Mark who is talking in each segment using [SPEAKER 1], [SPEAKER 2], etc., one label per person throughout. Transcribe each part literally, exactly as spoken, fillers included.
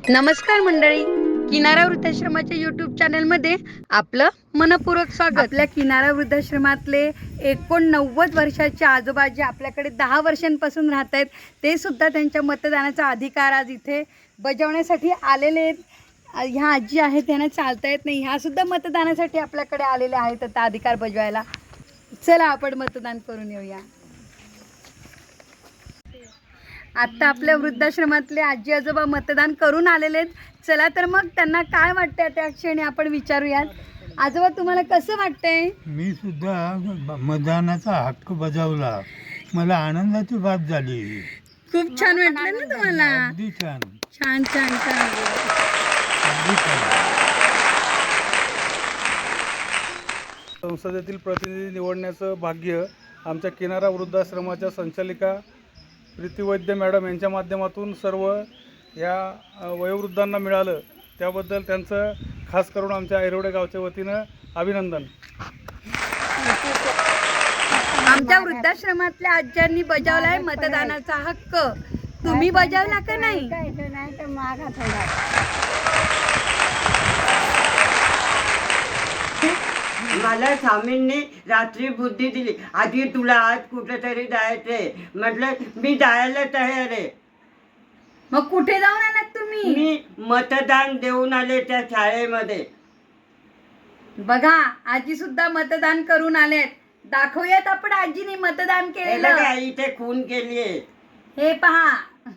[SPEAKER 1] नमस्कार मंडळी, किनारा वृद्धाश्रमाच्या यूट्यूब चॅनलमध्ये आपलं मनपूर्वक स्वागत. आपल्या किनारा वृद्धाश्रमातले एकोणनव्वद वर्षाचे आजोबा जे आपल्याकडे दहा वर्षांपासून राहत आहेत, ते सुद्धा त्यांच्या मतदानाचा अधिकार आज इथे बजावण्यासाठी आलेले आहेत. ह्या आजी आहेत, त्यांना चालता येत नाही, ह्या सुद्धा मतदानासाठी आपल्याकडे आलेल्या आहेत आता अधिकार बजावायला. चला आपण मतदान करून येऊया. आत्ता आपल्या वृद्धाश्रमातले आजी आजोबा मतदान करून आलेले आहेत. चला तर मग त्यांना काय वाटतंय त्या क्षणी आपण विचारूयात. आजोबा, तुम्हाला कसं वाटतंय?
[SPEAKER 2] मी सुद्धा मतदानाचा हक्क बजावला. मला आनंदाची बात झाली.
[SPEAKER 1] खूप छान वाटलं ना तुम्हाला?
[SPEAKER 2] अगदी छान
[SPEAKER 1] छान छान छान
[SPEAKER 2] अगदी छान.
[SPEAKER 3] संसदेतील प्रतिनिधी निवडण्याचं भाग्य आमच्या किनारा वृद्धाश्रमाच्या संचालिका प्रीती वैद्य मॅडम यांच्या माध्यमातून सर्व या वयोवृद्धांना मिळालं. त्याबद्दल त्यांचं खास करून आमच्या ऐरोडे गावच्या वतीनं अभिनंदन.
[SPEAKER 1] आमच्या वृद्धाश्रमातल्या आज्यांनी बजावलाय मतदानाचा हक्क. तुम्ही बजावला का नाही?
[SPEAKER 4] मला स्वामींनी रात्री बुद्धी दिली, आधी तुला आज कुठेतरी जायचंय. म्हटलं मी जायला तयार आहे.
[SPEAKER 1] मग कुठे जाऊन आलात तुम्ही?
[SPEAKER 4] मी मतदान देऊन आले त्या शाळेमध्ये.
[SPEAKER 1] बघा, आजी सुद्धा मतदान करून आलेत. दाखवूयात आपण आजीने मतदान
[SPEAKER 4] हे
[SPEAKER 1] केलेलं.
[SPEAKER 4] बघा, इथे खून केली आहे.
[SPEAKER 1] हे पहा.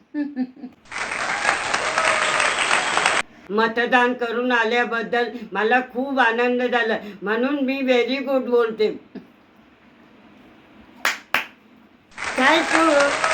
[SPEAKER 4] मतदान करून आल्याबद्दल मला खूप आनंद झाला, म्हणून मी व्हेरी गुड बोलते. थँक्यू.